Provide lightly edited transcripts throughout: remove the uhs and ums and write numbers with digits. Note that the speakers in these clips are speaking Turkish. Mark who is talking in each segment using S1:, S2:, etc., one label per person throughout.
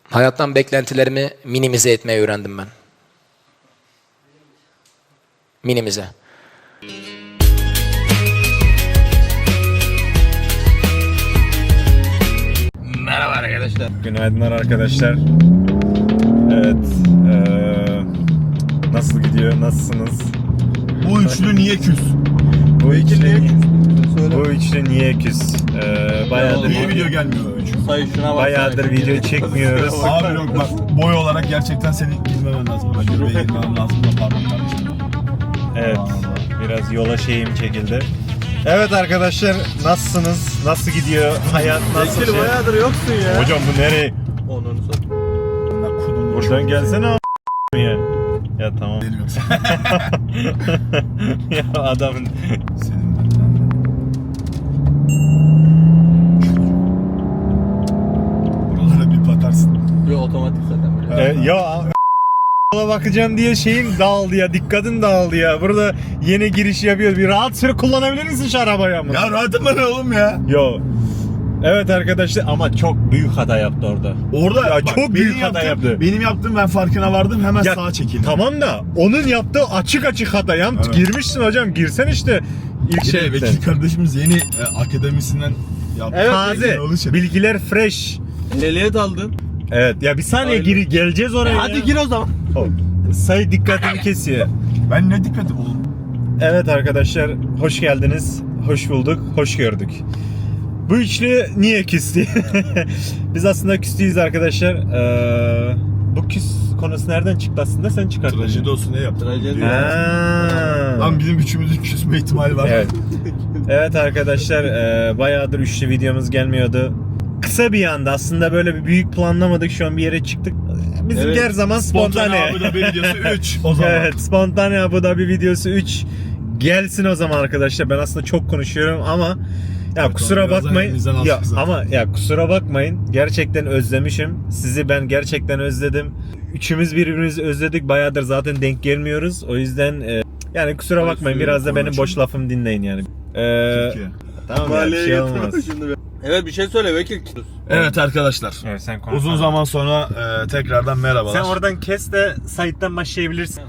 S1: Hayattan beklentilerimi minimize etmeyi öğrendim ben. Minimize.
S2: Merhaba arkadaşlar.
S3: Günaydınlar arkadaşlar. Evet. Nasıl gidiyor? Nasılsınız?
S2: Bu üçlü niye küs?
S3: Bu üçlü niye küs?
S2: Söyle.
S3: Bu üçlü niye küs? Bayağıdır
S2: Niye video gelmiyor üçlü?
S4: Sayı şuna bak.
S3: Bayağıdır video çekmiyoruz.
S2: Abi yok bak, boy olarak gerçekten seni girmemen lazım. Ben göbeğe girmem lazım da pardon kardeşim.
S3: Evet. Biraz yola şeyim çekildi. Evet arkadaşlar, nasılsınız? Nasıl gidiyor? Hayat nasıl?
S4: Bekir bayağıdır yoksun ya.
S3: Hocam bu nereye?
S4: Onunu sat.
S2: Bunlar kudum.
S3: Buradan gelsene ya. Ya tamam.
S2: Deli yoksa.
S3: Ya adamın
S2: Senin ben de. Buralara bir batarsın.
S4: Bir otomatik zaten böyle.
S3: ya bakacağım diye şeyim dağıldı ya, dikkatim dağıldı ya. Burada yeni giriş yapıyoruz. Bir rahat süre kullanabilir misin şu arabayı ama?
S2: Ya rahatım ben oğlum ya.
S3: Yo. Evet arkadaşlar ama çok büyük hata yaptı orada.
S2: Orada
S3: Ya
S2: bak,
S3: çok
S2: benim
S3: büyük hata yaptı.
S2: Benim yaptığım ben farkına vardım hemen
S3: Ya,
S2: sağa çekildim.
S3: Tamam da onun yaptığı açık hata. Yani
S2: Evet.
S3: girmişsin hocam, girsen işte ilk
S2: Bir de
S3: şeyden.
S2: Bekir kardeşimiz yeni akademisinden yaptı.
S3: Evet,
S2: Taze.
S3: taze. Bilgiler fresh.
S4: Ehliyet aldın.
S3: Evet ya bir saniye
S4: Aynen.
S3: geleceğiz oraya.
S4: Hadi
S3: ya.
S4: gir o zaman.
S3: Oh, sayı dikkatimi kesiyor.
S2: Ben ne dikkat oğlum.
S3: Evet arkadaşlar, hoş geldiniz. Hoş bulduk, hoş gördük. Bu üçlü niye küstü? Biz aslında küstüyüz arkadaşlar. Bu küs konusu nereden çıktı aslında? Sen çıkarttın.
S2: Trajedi olsun ne yaptın?
S4: Trajedi.
S2: Lan bizim üçümüzün küsme ihtimali var.
S3: Evet. Evet arkadaşlar, bayağıdır üçlü videomuz gelmiyordu. Kısa bir anda aslında böyle bir büyük planlamadık, şu an bir yere çıktık. Bizim
S4: Evet.
S3: her zaman spontane.
S2: Abu Dhabi videosu 3 o zaman.
S3: Evet, spontane Abu Dhabi videosu 3 gelsin o zaman arkadaşlar. Ben aslında çok konuşuyorum ama ya
S2: Evet,
S3: kusura
S2: birazdan
S3: bakmayın.
S2: elimizden
S3: Ya
S2: aldık zaten.
S3: ama ya kusura bakmayın. Gerçekten özlemişim. Sizi ben gerçekten özledim. Üçümüz birbirimizi özledik. Bayağıdır zaten denk gelmiyoruz. O yüzden yani kusura bakmayın. Biraz da benim boş lafımı dinleyin yani.
S2: Türkiye.
S3: Tamam ya, bir şey olmaz.
S4: Evet bir şey söyle Bekir.
S2: Evet arkadaşlar.
S3: Evet, sen konuş.
S2: Uzun zaman sonra tekrardan merhabalar.
S3: Sen oradan kes de Sait'ten başlayabilirsin.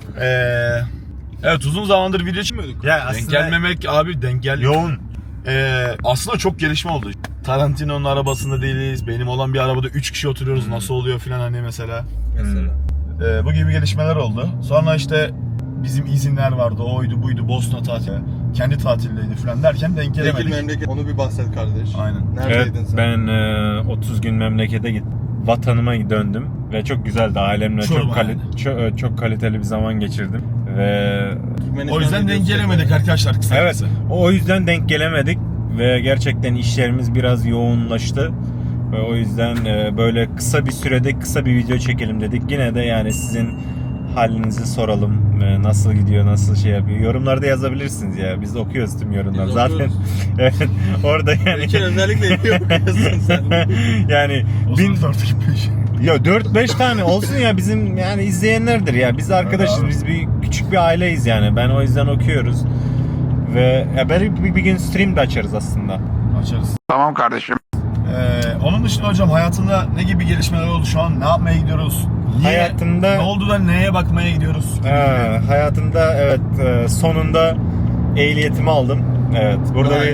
S2: Evet uzun zamandır video çekmiyorduk.
S3: Ya
S2: Denk
S3: aslında
S2: gelmemek abi denk gel.
S3: yoğun.
S2: Aslında çok gelişme oldu. Tarantino'nun arabasında değiliz. Benim olan bir arabada 3 kişi oturuyoruz. Nasıl oluyor filan hani mesela.
S4: Mesela.
S2: Bu gibi gelişmeler oldu. Sonra işte bizim izinler vardı. Oydu buydu. Bosna tatili. Kendi tatildeydi filan derken denk
S4: Bekir
S2: gelemedik.
S4: memleket. Onu bir bahset kardeş.
S2: Aynen.
S3: Evet,
S4: Neredeydin sen?
S3: ben 30 gün memlekete gittim. Vatanıma döndüm ve çok güzeldi. Ailemle
S2: Çorba
S3: çok kaliteli bir zaman geçirdim ve
S4: Türkmenistan
S2: O yüzden denk
S4: videosu
S2: gelemedik arkadaşlar kısa
S3: evet,
S2: kısa.
S3: o yüzden denk gelemedik ve gerçekten işlerimiz biraz yoğunlaştı ve o yüzden böyle kısa bir sürede kısa bir video çekelim dedik. Yine de yani sizin halinizi soralım. Nasıl gidiyor, nasıl şey yapıyor. Yorumlarda yazabilirsiniz ya. Biz okuyoruz tüm yorumları.
S4: Biz
S3: Zaten
S4: okuyoruz.
S3: evet, orada yani
S4: Bekir özellikle iyi okuyorsun sen.
S3: yani
S2: O
S3: bin,
S2: zaman 4-5.
S3: ya 4-5 tane olsun ya, bizim yani izleyenlerdir ya. Biz arkadaşız,
S2: Abi.
S3: biz küçük bir aileyiz yani. Ben o yüzden okuyoruz. Ve ya belki bir gün stream de açarız aslında.
S2: Açarız.
S5: Tamam kardeşim.
S2: Onun dışında hocam hayatında ne gibi gelişmeler oldu şu an? Ne yapmaya gidiyoruz?
S3: Hayatımda-
S2: Ne oldu da neye bakmaya gidiyoruz?
S3: Hayatımda evet, sonunda ehliyetimi aldım. Evet, burada
S2: Vay.
S3: bir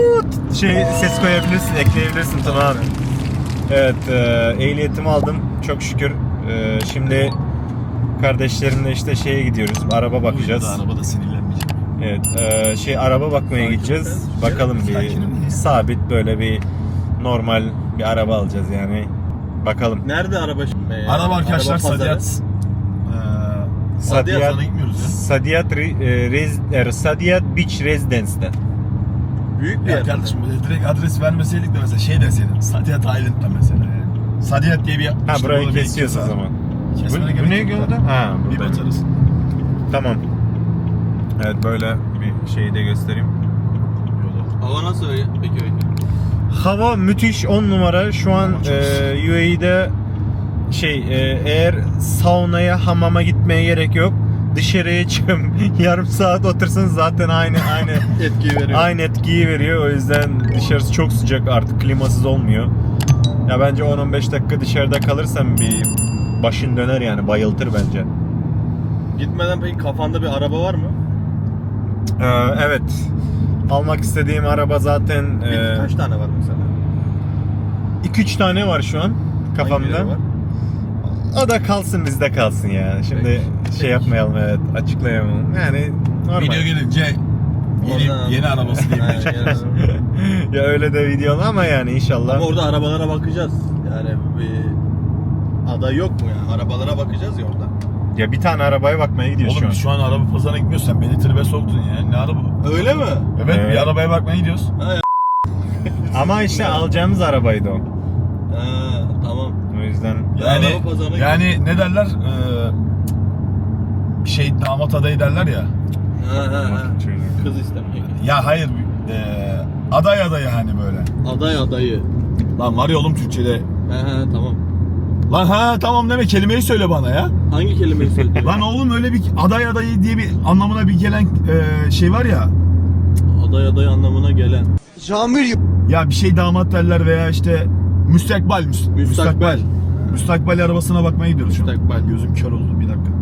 S3: ses koyabilirsin, ekleyebilirsin Tuna abi. Evet, ehliyetimi aldım çok şükür. Şimdi kardeşlerimle işte şeye gidiyoruz, araba bakacağız.
S2: Arabada sinirlenmeyecek.
S3: Evet, araba bakmaya gideceğiz. Bakalım
S2: Sakinim
S3: bir
S2: ya.
S3: sabit böyle bir normal bir araba alacağız yani. Bakalım.
S4: Nerede araba şimdi?
S2: Araba arkadaşlar
S4: Araba pazarı.
S2: Sadiyat.
S4: Sadiyat
S2: Sana gitmiyoruz ya.
S3: Sadiyat Beach Residence'de.
S4: Büyük bir
S2: Ya
S4: yer.
S2: kardeşim direkt adres vermeseydik de mesela şey deseydin. Sadiyat Island'da mesela yani. Sadiyat diye bir...
S3: Ha,
S2: işte
S3: burayı
S2: burada bir
S3: kesiyoruz o
S2: ekip var.
S3: zaman.
S2: Kesmene
S3: Bu
S2: gerek
S3: ne
S2: yok
S3: gördün?
S2: da.
S3: Ha,
S2: Bir
S3: buradayım.
S2: batarız.
S3: Tamam. Evet, böyle bir şeyi de göstereyim.
S4: Hava nasıl öyle? Peki öyle.
S3: Hava müthiş, 10 numara. Şu an
S2: Hava çok
S3: UAE'de eğer saunaya, hamama gitmeye gerek yok. Dışarıya çıkıp yarım saat otursanız zaten aynı
S4: Etkiyi veriyor.
S3: aynı etkiyi veriyor. O yüzden dışarısı çok sıcak, artık klimasız olmuyor. Ya bence 10-15 dakika dışarıda kalırsan bir başın döner yani, bayıltır bence.
S4: Gitmeden peki kafanda bir araba var mı?
S3: Evet. Almak istediğim araba zaten
S4: Kaç tane var mesela?
S3: 2-3 tane var şu an kafamda.
S4: Hangileri var?
S3: O da kalsın, bizde kalsın ya. Şimdi
S4: Peki.
S3: şey yapmayalım, evet, açıklayamam. Yani normal.
S2: Video gelince
S4: Oradan-
S2: yeni arabası
S4: Aynen,
S2: diyeyim.
S4: yeni araba.
S3: Ya öyle de videolu ama yani inşallah.
S4: Ama orada arabalara bakacağız. Yani bir aday yok mu yani? Arabalara bakacağız ya orada.
S3: Ya bir tane arabaya bakmaya gidiyoruz
S2: Oğlum biz
S3: şu
S2: şu an araba pazarına gitmiyoruz. Sen beni tribe soktun ya. Ne araba?
S4: Öyle mi?
S2: Evet,
S3: Evet.
S2: bir arabaya bakmaya gidiyoruz.
S3: an. Ama işte alacağımız arabaydı o.
S4: Ha, tamam.
S3: O yüzden
S2: Yani
S4: araba pazarına
S2: yani ne derler? Bir şey damat adayı derler ya.
S4: Ha. Kız istemeye.
S2: Ya hayır, aday adayı hani böyle.
S4: Aday adayı.
S2: Lan var ya oğlum Türkçe'de.
S4: Tamam.
S2: Lan ha tamam deme, kelimeyi söyle bana ya.
S4: Hangi kelimeyi söyledin?
S2: Lan oğlum öyle bir aday adayı diye bir anlamına bir gelen şey var ya.
S4: Aday adayı anlamına gelen.
S2: Ya bir şey damat derler veya işte müstakbel.
S4: Müstakbel.
S2: Müstakbel arabasına bakmaya gidiyoruz şu an.
S4: Müstakbel.
S2: Gözüm kör oldu, bir dakika.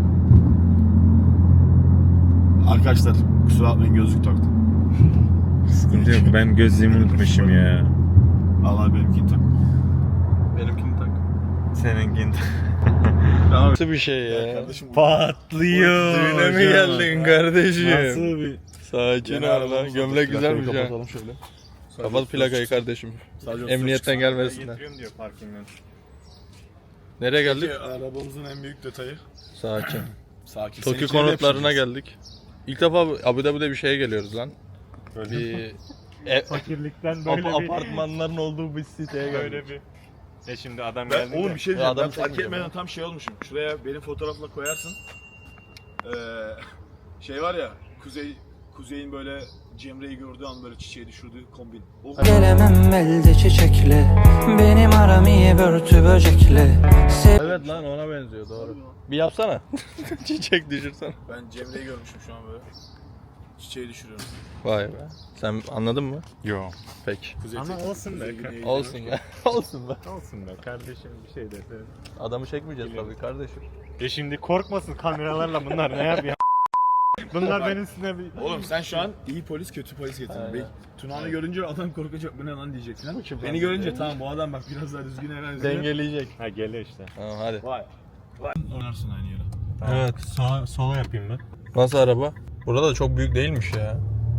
S2: Arkadaşlar kusura bakmayın, gözlük taktım.
S3: sıkıntı yok. Ben gözlüğümü unutmuşum ya.
S2: Allah benimkini tak.
S4: Benimkini tak.
S3: Seninkini.
S4: Nasıl bir şey ya?
S2: Kardeşim
S3: Patlıyor.
S4: Düğüne mi geldin kardeşim?
S3: Nasıl bir...
S4: Sakin
S2: Yeni
S4: ol lan.
S2: arabamız
S4: Gömlek
S2: oldu.
S4: güzelmiş
S2: Plakayı
S4: ha.
S2: kapatalım şöyle.
S4: Kapat plakayı kardeşim.
S2: Sadece
S4: Emniyetten gelmesinler.
S3: Getiriyorum diyor parkingden.
S4: Nereye geldik?
S2: Arabamızın en büyük detayı.
S4: Sakin.
S2: Sakin.
S4: Tokyo konutlarına geldik. İlk defa Abu Dhabi'de bir şeye geliyoruz lan.
S3: Böyle
S4: Bir
S3: fakirlikten böyle bir...
S4: apartmanların olduğu bir siteye geldik.
S3: Böyle bir... şimdi adam
S2: Ben,
S3: geldi
S2: oğlum
S3: de.
S2: bir şey
S4: Ya
S2: diyeceğim.
S4: adam
S2: Ben fark
S4: çekmeyeceğim
S2: etmeden tam şey olmuşum. Şuraya benim fotoğrafla koyarsın. Şey var ya, Kuzey'in böyle Cemre'yi gördüğü an böyle çiçeği düşürdüğü kombin. O
S5: Gelemem elde çiçekle, benim aram iyi börtü böcekle.
S4: Evet lan ona benziyor doğru. Bir yapsana. Çiçek düşürsen.
S2: ben Cemre'yi görmüşüm şu an böyle. Çiçeği düşürüyorum.
S4: Vay be. Sen anladın mı?
S3: Yo.
S4: Peki.
S3: Ama olsun be.
S4: Olsun be. Olsun be.
S3: Olsun be kardeşim, bir şey de.
S4: Adamı çekmeyeceğiz tabii kardeşim.
S3: Şimdi korkmasın kameralarla, bunlar ne yapıyor? Bunlar benim üstüne bir...
S2: Oğlum sen şu an iyi polis kötü polis getirdin.
S4: Aynen.
S2: Tunağını görünce adam korkacak, bu ne lan diyecek falan. Beni görünce tamam bu adam bak biraz daha düzgün herhalde.
S4: Dengeleyecek.
S3: Ha geliyor işte.
S4: Tamam hadi.
S2: Vay. Oynarsın aynı yere.
S4: Evet.
S3: Sola yapayım ben.
S4: Nasıl araba? Burada da çok büyük değilmiş ya.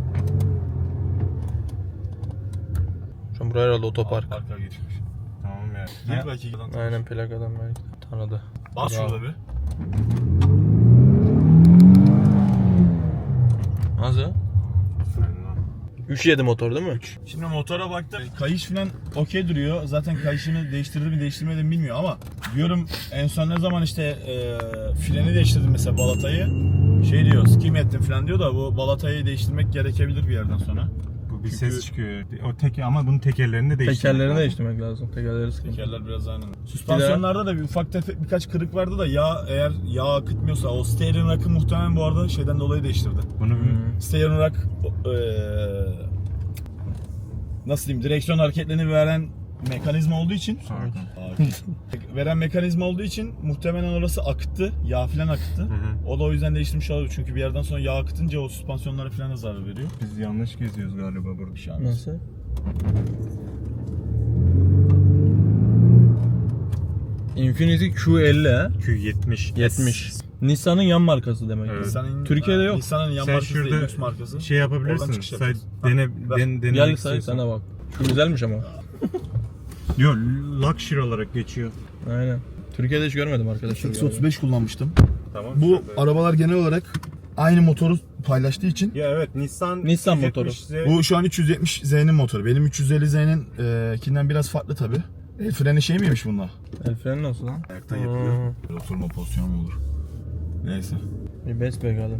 S4: Şu an buraya herhalde otopark.
S2: Parka geçmiş.
S3: Tamam ya.
S2: Gir belki.
S4: Aynen plakadan belki tanıdı.
S2: Bas
S4: Bravo.
S2: şurada bir.
S4: Nasıl? 3.7 motor değil mi?
S2: Şimdi motora baktım. Kayış falan okey duruyor. Zaten kayışını değiştirdi mi değiştirmedi mi bilmiyor ama diyorum en son ne zaman işte freni değiştirdim mesela balatayı. Şey diyor, skim ettim falan diyor da bu balatayı değiştirmek gerekebilir bir yerden sonra.
S3: Bu bir
S2: Çünkü-
S3: ses çıkıyor. O ama bunun tekerlerini de değiştirmek
S4: Tekerlerini
S3: lazım.
S4: değiştirmek lazım. Tekerleri sıkıntı.
S2: Tekerler biraz aynı. Süspansiyonlarda da bir ufak tefek birkaç kırık vardı da eğer yağ akıtmıyorsa o steering rack'ı muhtemelen bu arada şeyden dolayı değiştirdi.
S3: Bunu
S2: Steering rack nasıl diyeyim, direksiyon hareketlerini veren mekanizma olduğu için veren mekanizma olduğu için muhtemelen orası akıttı. Yağ falan akıttı. O da o yüzden değiştirmiş olabilir. Çünkü bir yerden sonra yağ akıtınca o süspansiyonlara falan da zarar veriyor.
S3: biz yanlış geziyoruz galiba burada.
S2: Şu an.
S4: Nasıl? Infiniti Q50 ha?
S3: Q70.
S4: 70. Nissan'ın yan markası demek.
S3: Evet.
S2: Nissan'ın,
S4: Türkiye'de yok.
S2: Nissan'ın yan
S3: Sen
S2: markası değil,
S3: şurada
S2: lüks markası.
S3: şey
S2: Oradan
S3: yapabilirsin.
S2: çıkış
S3: Say,
S2: yapacağız.
S3: denemek
S4: Gel say
S3: istiyorsan.
S4: sana bak. Şu güzelmiş ama.
S3: Yok, luxury olarak geçiyor.
S4: Aynen. Türkiye'de hiç görmedim arkadaşlar.
S2: X35 kullanmıştım.
S3: Tamam.
S2: Bu arabalar genel olarak aynı motoru paylaştığı için
S3: Ya evet, Nissan
S4: motoru.
S3: 370Z.
S2: bu şu an 370Z'nin motoru. Benim 350Z'nin kinden biraz farklı tabi. El freni şey miymiş bunlar?
S4: El freni nasıl lan?
S2: Ayaktan yapılıyor. Böyle oturma pozisyonu mu olur? Neyse.
S4: Bir bes bakalım.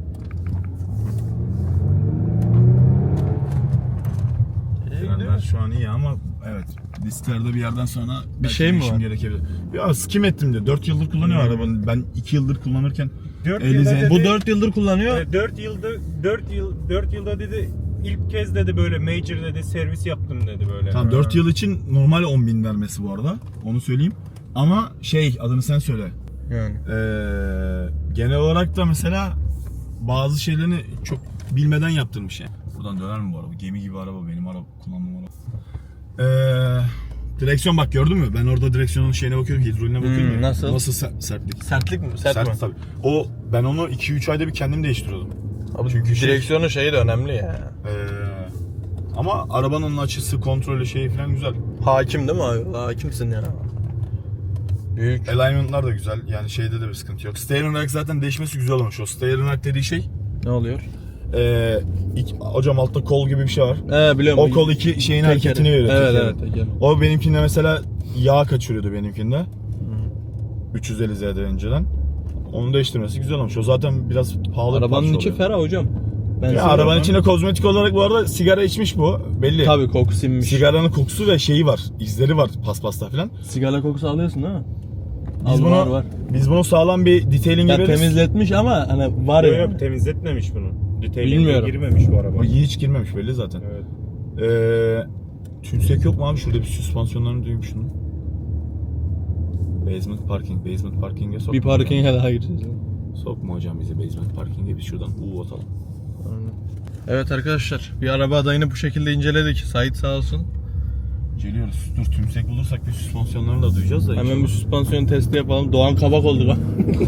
S2: Frenler şu an iyi ama evet disklerde bir yerden sonra belki
S4: şey mi
S2: değişim
S4: var?
S2: gerekebilir. Ya skim ettim diyor. 4 yıldır kullanıyor arabanın. Ben 2 yıldır kullanırken
S3: 4
S2: Elize-
S3: yılda
S4: Bu
S3: dedi,
S4: 4 yıldır kullanıyor.
S3: 4 yılda dedi ilk kez dedi böyle major dedi servis yaptım dedi böyle.
S2: Tamam 4 yıl için normal 10.000 vermesi bu arada. Onu söyleyeyim. Ama adını sen söyle.
S4: Yani.
S2: Genel olarak da mesela bazı şeylerini çok bilmeden yaptırmış yani. Buradan döner mi bu araba? Gemi gibi araba, benim araba, kullandığım araba. Direksiyon bak, gördün mü? Ben orada direksiyonun şeyine bakıyorum, hidroline bakıyorum. Ya.
S4: nasıl?
S2: Nasıl sertlik?
S4: Sertlik mi? Sert mi?
S2: Tabii. Ben onu 2-3 ayda bir kendim değiştiriyordum.
S4: Abi
S2: Çünkü
S4: direksiyonun şeyi de önemli ya.
S2: Ama arabanın açısı, kontrolü falan güzel.
S4: Hakim değil mi abi? Hakimsin ya. Büyük.
S2: Alignment'lar da güzel. Yani şeyde de bir sıkıntı yok. Steering rack zaten değişmesi güzel olmuş. O steering rack dediği şey
S4: Ne oluyor?
S2: hocam altta kol gibi bir şey var.
S4: Biliyorum.
S2: O kol iki şeyin hareketini veriyor.
S4: Evet
S2: tekeri.
S4: evet. Teker.
S2: O benimkinde mesela yağ kaçırıyordu benimkinde. 350 Z'de önceden. Onu değiştirmesi güzel olmuş. O zaten biraz pahalı bir
S4: Arabanın
S2: parça
S4: içi
S2: oluyor.
S4: ferah hocam. Ben
S2: Ya
S4: seviyorum.
S2: arabanın içinde kozmetik olarak bu arada sigara içmiş bu. Belli.
S4: Tabii koku sinmiş.
S2: Sigaranın kokusu ve şeyi var. İzleri var paspasta falan.
S4: Sigara kokusu alıyorsun değil mi?
S2: Biz bunu sağlam bir detailing
S4: Ya
S2: veririz.
S4: temizletmiş ama hani var
S3: Yok
S4: ya.
S3: yok temizletmemiş bunu. Detailing'e
S4: Bilmiyorum.
S3: girmemiş bu araba.
S2: O hiç girmemiş belli zaten.
S3: Evet.
S2: Tümsek yok mu abi? Şurada bir süspansiyonlarını duymuştum. Basement parking'e sokma.
S4: Bir parkinge daha gireceğiz.
S2: Sokma hocam bizi basement parking'e, biz şuradan atalım.
S4: Evet arkadaşlar, bir araba adayını bu şekilde inceledik. Sait sağ olsun.
S2: Geliyoruz. Dur, tümsek bulursak bir süspansiyonlarını da duyacağız da.
S4: Hemen bir süspansiyon testi yapalım. Doğan kabak oldu lan.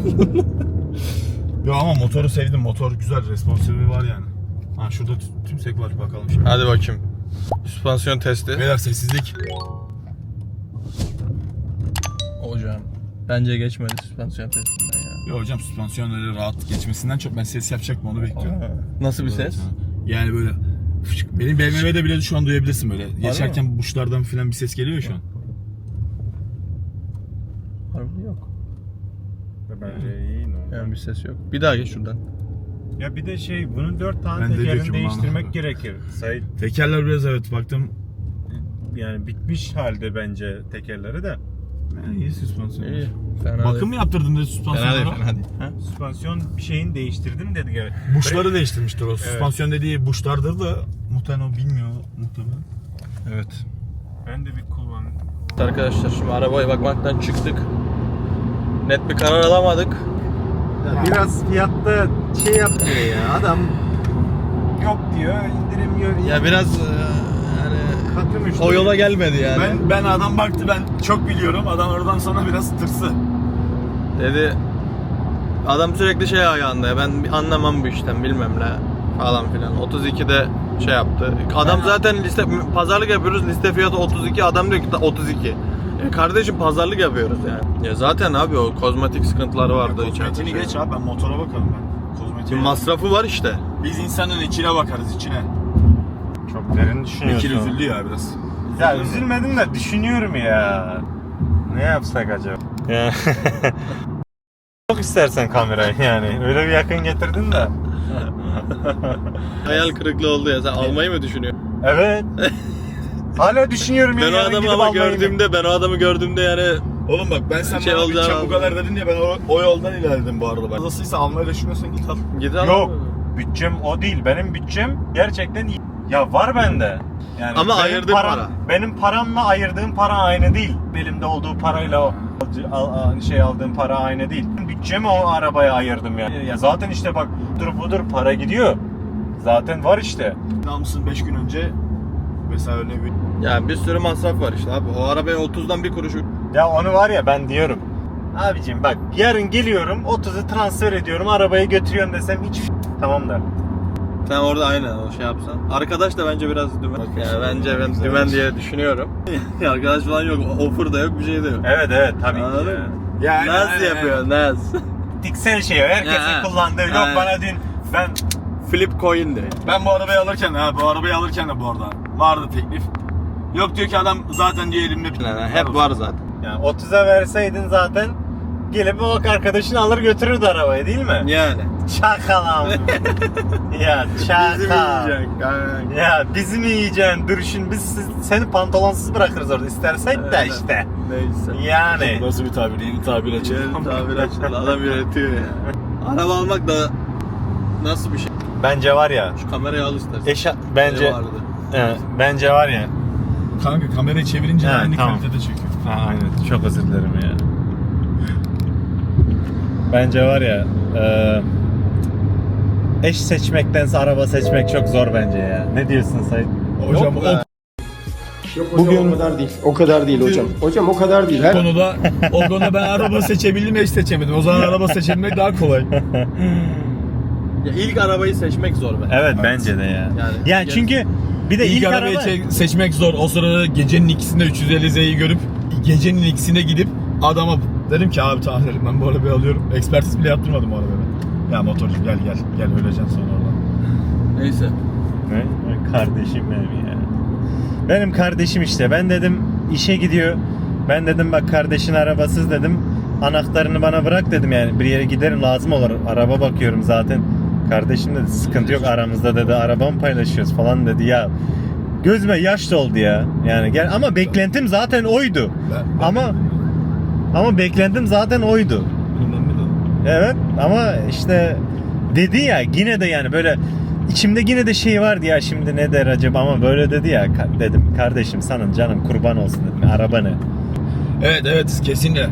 S2: Yo ama motoru sevdim. Motor güzel. Responsive'i var yani. Ha şurada tümsek var, bakalım şimdi.
S4: Hadi bakayım. Süspansiyon testi.
S2: Beyler sessizlik.
S4: Hocam bence geçmedi süspansiyon testinden ya.
S2: Yo hocam, süspansiyon öyle rahat geçmesinden çok ben ses yapacaktım, onu bekliyorum.
S4: Nasıl bir ses?
S2: Yani böyle benim BMW'de bile şu an duyabilirsin böyle. Geçerken buşlardan falan bir ses geliyor şu an.
S4: Harbi yok.
S3: Bence iyi normal.
S4: Yani bir ses yok. Bir daha geç şuradan.
S3: Ya bir de bunun 4 tane
S2: Ben de
S3: tekerini
S2: döküm
S3: değiştirmek
S2: bana.
S3: gerekir. Sait
S2: Tekerler biraz evet baktım.
S3: yani bitmiş halde bence tekerleri de.
S2: İyi süspansiyon.
S4: İyi. Fena
S2: Bakım mı yaptırdın dedi
S4: Fena değil,
S2: süspansiyonlara?
S4: fena değil. Ha?
S3: Süspansiyon bir şeyin değiştirdim dedi. Evet.
S2: Buşları değiştirmiştir o. Süspansiyon dediği buşlardır da muhtemelen o bilmiyor muhtemelen.
S4: Evet.
S3: Ben de bir kullandım.
S4: Arkadaşlar şimdi arabaya bakmaktan çıktık. Net bir karar alamadık.
S3: Biraz fiyatta yapmıyor ya. Adam yok diyor, indirim yok.
S4: Ya biraz yani
S3: katı müşteri.
S4: o yola gelmedi yani.
S2: Ben adam baktı, ben çok biliyorum. Adam oradan sonra biraz tırsı.
S4: Dedi adam sürekli şey ayağında ya, ben anlamam bu işten bilmem ne falan filan. 32'de şey yaptı. Adam zaten pazarlık yapıyoruz, liste fiyatı 32, adam diyor ki 32. Kardeşim pazarlık yapıyoruz yani. Ya zaten abi o kozmetik sıkıntıları vardı içeride.
S2: Kozmetiğini geç abi, ben motora bakarım ben. Kozmetiğe.
S4: Masrafı var işte.
S2: Biz insanın içine bakarız, içine.
S3: Çok derin düşünüyorsun.
S2: Bekir üzüldü ya biraz.
S3: Ya üzülmedim de düşünüyorum ya. Ne yapsak acaba? Ya. Çok istersen kamerayı yani. Öyle bir yakın getirdin de.
S4: Hayal kırıklığı oldu ya. Sen almayı mı düşünüyorsun?
S3: Evet. Hala düşünüyorum ya.
S4: Ben o
S3: yarın
S4: adamı
S3: gidip
S4: ama
S3: almayı.
S4: gördüğümde yani
S2: Oğlum bak, ben sen
S4: Şey
S2: bana
S4: olacağını
S2: bütçem bu kadar dedin ya, ben o yoldan ilerledim bu arada. Fazlasıysa almayı düşünüyorsan git al.
S4: git al.
S3: Yok. Bütçem o değil. Benim bütçem gerçekten iyi. Ya var bende. Yani
S4: Ama
S3: benim
S4: ayırdığın para.
S3: Benim paramla ayırdığım para aynı değil. Elimde olduğu parayla aldığım para aynı değil. Bütçemi o arabaya ayırdım yani. Ya zaten işte bak budur para gidiyor. Zaten var işte.
S2: Almışsın 5 gün önce. Mesela örneğin
S4: Yani bir sürü masraf var işte abi. O arabaya 30'dan bir kuruş.
S3: Ya onu var ya ben diyorum. Abicim bak yarın geliyorum 30'u transfer ediyorum arabayı götürüyorum desem hiç tamam der.
S4: Sen orada aynen o şey yapsan. Arkadaş da bence biraz dümen. Yani bence ben dümen diye düşünüyorum. Arkadaş falan yok. Offer da yok, bir şey de yok.
S3: Evet tabii ki.
S4: Anladın mı?
S2: yani,
S4: Naz yapıyor, Naz.
S3: Diksel şey herkesin
S4: Ha.
S3: kullandığı. Yok
S4: Ha.
S3: bana dün ben
S4: Flip coin de.
S2: Ben bu arabayı alırken de bu arada vardı teklif. Yok diyor ki adam zaten diyor elimde bir
S4: Yani hep var zaten.
S3: yani 30'a verseydin zaten gelip o arkadaşını alır götürürdü arabayı değil mi?
S4: Yani.
S3: Çakal abi. Ya çakal.
S4: Bizim yiyecek. Aynen.
S3: Ya bizi mi yiyeceksin? Dur şimdi biz seni pantolonsuz bırakırız orada istersek de
S4: Evet.
S3: işte.
S4: Neyse.
S3: Yani.
S2: Nasıl bir tabir? Yeni tabir açıldı.
S4: Yeni tabir açıldı. Adam üretiyor ya. Araba almak da nasıl bir şey?
S3: Bence var ya.
S4: Şu kamerayı al istersen.
S3: Bence
S4: Vardı.
S3: bence var ya.
S2: Kanka kamerayı çevirince
S3: Ha,
S2: aynı
S3: tamam.
S2: kalitede çekiyor.
S3: Ha, aynen. Çok özür dilerim ya. Bence var ya. Eş seçmektense araba seçmek çok zor bence ya. Ne diyorsun Sayın?
S2: Hocam
S4: Yok
S2: o
S4: be.
S6: Yok hocam o kadar değil. O kadar değil hocam. Hocam o kadar değil. Her
S2: konuda ben araba seçebildim, eş seçemedim. O zaman araba seçebilmek daha kolay.
S4: Ya ilk arabayı seçmek zor be.
S3: Evet, bence de ya. Yani çünkü bir de
S2: İlk
S3: ilk
S2: arabayı
S3: araba
S2: seçmek zor. O sırada gecenin ikisinde 350Z'yi görüp gecenin ikisine gidip adama dedim ki abi tamam dedim, ben bu arabayı alıyorum. Ekspertiz bile yaptırmadım o arabaya. Ya motorcu gel öleceksin sonra oradan.
S4: Neyse.
S3: Ne? Kardeşim benim ya. Benim kardeşim işte. Ben dedim işe gidiyor. Ben dedim bak kardeşin arabasız dedim. Anahtarını bana bırak dedim, yani bir yere giderim lazım olur. Araba bakıyorum zaten. Kardeşim dedi sıkıntı yok aramızda dedi. Arabamı paylaşıyoruz falan dedi ya. Gözüme yaş doldu ya. Yani gel ama beklentim zaten oydu. Ama beklentim zaten oydu. Evet ama işte dedi ya yine de yani böyle içimde yine de şey vardı ya, şimdi ne der acaba, ama böyle dedi ya, dedim kardeşim sana canım kurban olsun dedim, araba ne?
S2: Evet kesinlikle.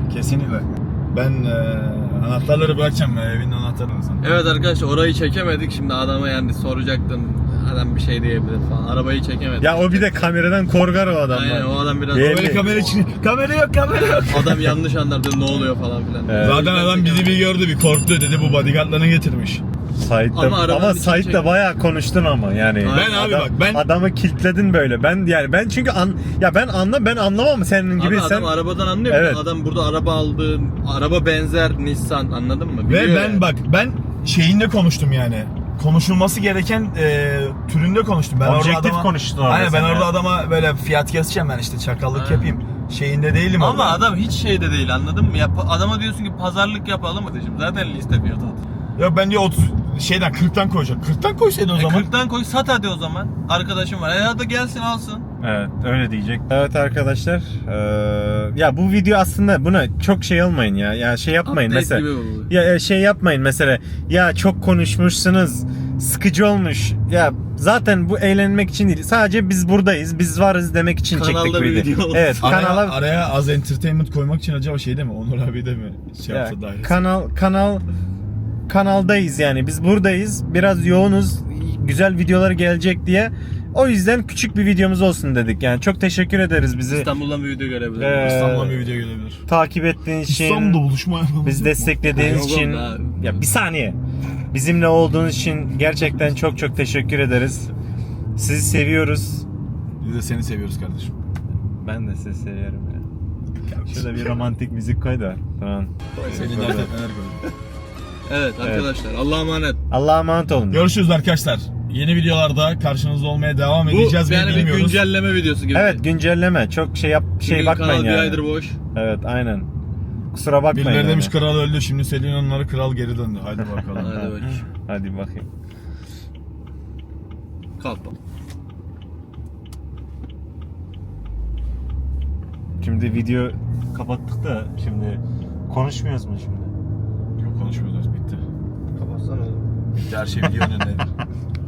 S2: Ben anahtarları bırakacağım, evin anahtarını sana.
S4: Evet arkadaşlar, orayı çekemedik. Şimdi adama yani soracaktın. Adam bir şey diyebilir falan. Arabayı çekemedik.
S3: Ya o bir de kameradan korkar o adam.
S4: Aynen, o adam biraz...
S3: Belli.
S2: Böyle kamera yok.
S4: Adam yanlış anlardı, ne oluyor falan filan.
S3: Evet.
S2: Zaten adam bizi bir gördü, bir korktu, dedi bu bodyguardlarını getirmiş.
S3: Ama Sait'le bayağı konuştun ama yani.
S2: Ben abi bak, ben-
S3: adamı kilitledin böyle. Ben çünkü ben anlamam senin gibi.
S4: Abi
S3: sen
S4: adam arabadan anlıyor.
S3: Evet.
S4: Adam burada araba aldı. Araba benzer Nissan, anladın mı?
S2: Ve
S4: Biliyor
S2: ben
S4: yani.
S2: bak şeyinde konuştum yani. Konuşulması gereken türünde konuştum. Ben
S3: Objektif
S2: orada adama,
S3: konuştun.
S2: Aynen, ben orada adama böyle fiyat keseceğim, ben işte çakallık
S4: Aynen.
S2: yapayım. Şeyinde değilim
S4: Ama
S2: orada.
S4: adam hiç şeyde değil, anladın mı? Ya adama diyorsun ki pazarlık yapalım mı diyeceğim. Zaten liste fiyatı.
S2: Yok ben diyor 40'tan koyacak. 40'tan koysaydın o zaman.
S4: 40'tan koy, sat hadi o zaman. Arkadaşım var. Hadi gelsin alsın.
S3: Evet, öyle diyecek. Evet arkadaşlar, ya bu video aslında buna çok şey olmayın ya. Ya şey yapmayın
S4: Update
S3: mesela.
S4: gibi oldu.
S3: Ya şey yapmayın mesela. Ya çok konuşmuşsunuz. Sıkıcı olmuş. Ya zaten bu eğlenmek için değil. Sadece biz buradayız. Biz varız demek için
S4: Kanalda
S3: çektik bu
S4: bir
S3: videoyu.
S4: video olsun.
S3: Evet,
S2: Araya az entertainment koymak için acaba şey de mi? Onur abi de mi şey
S3: ya,
S2: yapsa dahil?
S3: kanaldayız yani. Biz buradayız. Biraz yoğunuz. Güzel videolar gelecek diye. O yüzden küçük bir videomuz olsun dedik. Yani çok teşekkür ederiz bizi
S4: İstanbul'dan bir video görebilirim.
S2: İstanbul'dan bir video gelebilir.
S3: takip ettiğiniz için.
S2: İstanbul'da buluşma yapalım.
S3: Bizi desteklediğiniz
S4: Yok
S3: için,
S4: oğlum,
S3: ya bir saniye, bizimle olduğunuz için gerçekten çok çok teşekkür ederiz. Sizi seviyoruz.
S2: Biz de seni seviyoruz kardeşim.
S3: Ben de sizi seviyorum ya. Şurada bir romantik müzik koy da. Tamam.
S2: Seni dert etmeler koyuyor.
S4: Evet arkadaşlar, Allah'a emanet.
S3: Allah'a emanet olun.
S2: Görüşürüz arkadaşlar. Yeni videolarda karşınızda olmaya devam
S4: Bu
S2: edeceğiz mi
S4: yani bir
S2: bilmiyoruz.
S4: güncelleme videosu gibi.
S3: Evet, güncelleme. Çok
S4: Çünkü
S3: bakmayın
S4: kanal bir
S3: yani.
S4: aydır boş.
S3: Evet, aynen. Kusura bakmayın.
S2: Birileri
S3: yani.
S2: demiş kral öldü, şimdi Selin onları kral geri döndü. Hadi bakalım.
S4: Hadi bakayım.
S3: Hadi bakayım.
S4: Kalk.
S3: Şimdi video kapattık da şimdi konuşmuyoruz mu şimdi?
S2: Yok konuşmuyoruz, bitti.
S4: Kapatsana oğlum.
S2: Bitti, her şey video önündeydi.